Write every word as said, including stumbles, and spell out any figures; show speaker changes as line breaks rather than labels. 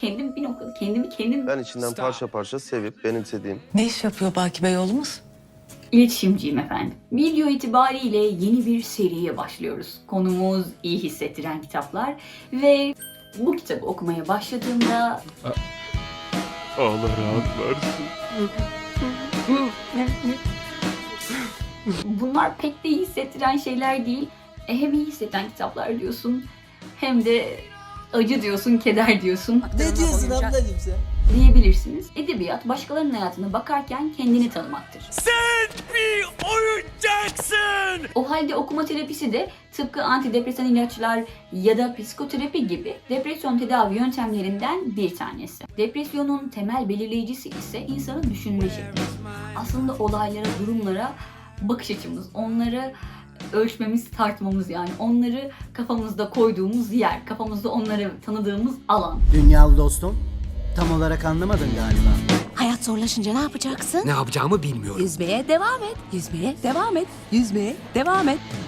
Kendim bir noktada kendimi kendim
Ben içinden parça parça sevip benimsediğim.
Ne iş yapıyor Baki Bey oğlumuz?
iletişimciyim efendim. Video itibariyle yeni bir seriye başlıyoruz. Konumuz iyi hissettiren kitaplar ve bu kitabı okumaya başladığımda
Allah rahat versin.
bunlar pek de iyi hissettiren şeyler değil. E, hem iyi hissettiren kitaplar diyorsun hem de acı diyorsun, keder diyorsun.
Ne diyorsun ablacığım sen?
Diyebilirsiniz. Edebiyat başkalarının hayatına bakarken kendini tanımaktır.
Sen bir oyuncaksın.
O halde okuma terapisi de tıpkı antidepresan ilaçlar ya da psikoterapi gibi depresyon tedavi yöntemlerinden bir tanesi. Depresyonun temel belirleyicisi ise insanın düşünme şekli. Aslında olaylara, durumlara bakış açımız, onları ölçmemiz, tartmamız, yani onları kafamızda koyduğumuz yer, kafamızda onları tanıdığımız alan.
Dünyalı dostum, tam olarak anlamadın galiba.
Hayat zorlaşınca ne yapacaksın?
Ne yapacağımı bilmiyorum.
Yüzmeye devam et. Yüzmeye devam et. Yüzmeye devam et.